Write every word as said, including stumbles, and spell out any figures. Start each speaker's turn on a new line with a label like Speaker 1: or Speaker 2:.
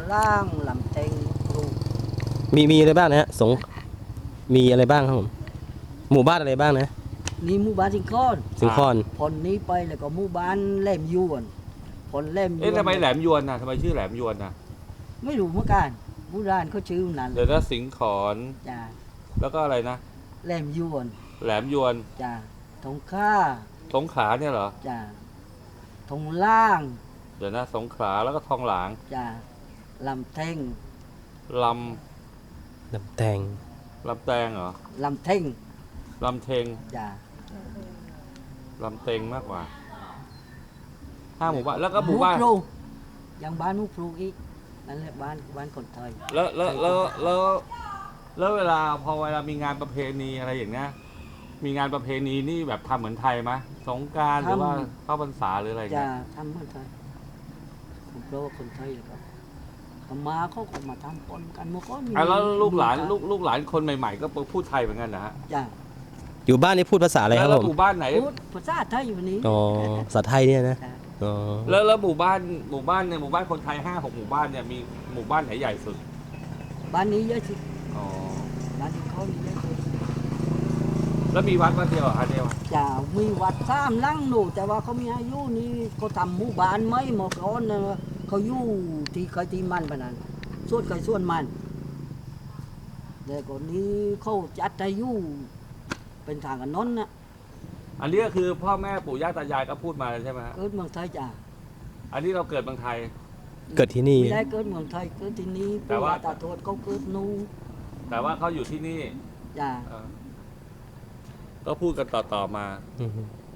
Speaker 1: ล่างลำเต็งปลูก
Speaker 2: มีมีอะไรบ้างนะฮะสงมีอะไรบ้างครับผมหมู่บ้านอะไรบ้างนะ
Speaker 1: นี่หมู่บ้านสิงคอน
Speaker 2: สิงคอน
Speaker 1: ผลนี้ไปแล้วก็หมู่บ้านแหลมยวนผลแหลมยวน
Speaker 3: เอ๊ะทำไมแหลมยวนน่ะทำไมชื่อแหลมยวนน่ะ
Speaker 1: ไม่รู้เหมือนกันโบราณเขาชื่อนั้น
Speaker 3: เดี๋ยวนะสิงขอน
Speaker 1: จ้า
Speaker 3: แล้วก็อะไรนะ
Speaker 1: แหลมยวน
Speaker 3: แหลมยวน
Speaker 1: จ้าทงค่า
Speaker 3: สงขลาเนี่ยเหรอ
Speaker 1: จ้าทงล่าง
Speaker 3: เดี๋ยวนะสงขลาแล้วก็ทองหลาง
Speaker 1: จ้าลำเท่ง
Speaker 3: ล
Speaker 2: ลำแตง
Speaker 3: ำลำแตงเหรอ
Speaker 1: ลำเท่ง
Speaker 3: ลำเทง
Speaker 1: จ้า
Speaker 3: ลำเตงมากกว่าห้าหมู่บ้านแล้วก็หมู่บ้าน
Speaker 1: พลูยังบ้านหมู่พลูอีกนั่นแหละบ้านบ้านคนไทย
Speaker 3: แล้วแล้วแล้วแล้วแล้วเวลาพอเวลามีงานประเพณีอะไรอย่างเงี้ยมีงานประเพณีนี่แบบทำเหมือนไทยไหมสงกรานต์หรือว่าเข้าพรรษาหรืออะไรอย่าง
Speaker 1: จะ
Speaker 3: เงี้ย
Speaker 1: ทำคนไทยผมเพราะว่าคนไทยแล้วก็เขามาเขาก็มาทำปนกันเมื่อก่อนมี
Speaker 3: อ่ะแล้วลูกหลานลูกลูกหลานคนใหม่ๆก็พูดไทยเหมือนกันนะฮะ
Speaker 1: จ้า
Speaker 2: อยู่บ้านนี่พูดภาษาอะไรครับ
Speaker 3: แล้ว
Speaker 2: ผม
Speaker 3: หมู่บ้านไหน
Speaker 1: พูดภาษาไทยอยู่นี้
Speaker 2: อ๋อภาษาไทยเนี่ยนะ
Speaker 1: จ้ะ
Speaker 2: อ๋อ
Speaker 3: แล้วแล้วหมู่บ้านหมู่บ้านในหมู่บ้านคนไทยห้าหกหมู่บ้านเนี่ยมีหมู่บ้านไหนใหญ่สุด
Speaker 1: บ้านนี้เยอะสุด
Speaker 3: อ๋อ
Speaker 1: บ้านที่เขานี่เยอะสุด
Speaker 3: แล้วมีวัดวัดเดียวเหรอคะเดียว
Speaker 1: จะมีวัดสามหลังหนูแต่ว่าเขามีอายุนี่เขาทำหมู่บ้านไหมหมอก่อนนะเขาอยู่ที่เคยที่มันปะนั้นส่วนใครส่วนมันแต่ก่อนนี้เขาจัดให้อยู่เป็นทางกันนนนะ
Speaker 3: อันนี้ก็คือพ่อแม่ปู่ย่าตายายก็พูดมาใช่ไหมฮะ
Speaker 1: เกิดเมืองไทยจ้ะ
Speaker 3: อันนี้เราเกิดเมืองไทย
Speaker 2: เกิดที่นี่
Speaker 1: ไม่ได้เกิดเมืองไทยเกิดที่นี้
Speaker 3: แต่
Speaker 1: ปู่
Speaker 3: ว่า
Speaker 1: ย่าตาทวดเขาเกิดนู่น
Speaker 3: แต่ว่าเขาอยู่ที่นี่
Speaker 1: จ้ะ
Speaker 3: เออก็พูดกันต่อๆมา
Speaker 2: อือฮึ